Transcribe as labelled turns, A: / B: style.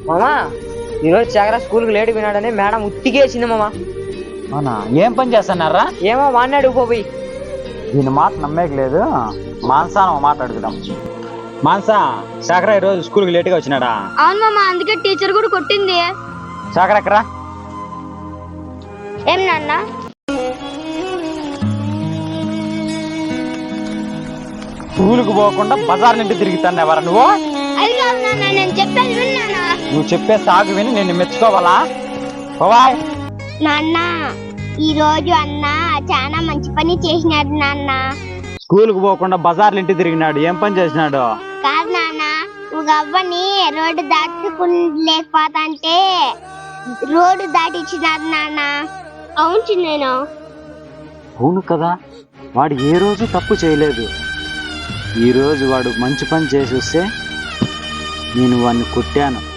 A: మామా ఈరోజు చాగరా స్కూల్కి లేట్ వినాడని మేడం ఉత్తికేసింది మామా.
B: అవునా? ఏం పని చేస్తున్నారా?
A: ఏమో వాడినాడు పోయి.
B: దీని మాట నమ్మేకి లేదు. మాన్సాను మాట అడుగుదాం. మాన్సా, శాఖరా ఈరోజు స్కూల్కి లేట్గా వచ్చినాడా?
C: అవును మామ, అందుకే టీచర్ కూడా కొట్టింది.
B: శాఖరా ఎక్కరా?
C: ఏం నాన్న?
B: స్కూల్కి పోకుండా బజార్ నుండి తిరుగుతాను నువ్వు?
C: అది కాదు నాన్న, నేను చెప్పేది విన్నానా?
B: నువ్వు చెప్పే సాగు విని నేను మెచ్చుకోవాలా? బాయ్
C: నాన్న, ఈ రోజు అన్న చాలా మంచి పని చేసినాడు నాన్న.
B: స్కూల్కి పోకుండా బజార్లు ఇంటి తిరిగినాడు. ఏం పని చేసినాడు?
C: కాదు నాన్న, ఒక అవ్వని రోడ్డు దాటుకులేకపోతాంటే రోడ్డు దాటిచ్చినాడు నాన్న. అవును చిన్నేనా?
B: అవును కదా, వాడు ఏ రోజు తప్పు చేయలేదు. ఈ రోజు వాడు మంచి పని చేసి వస్తే నేను వాడిని కొట్టాను.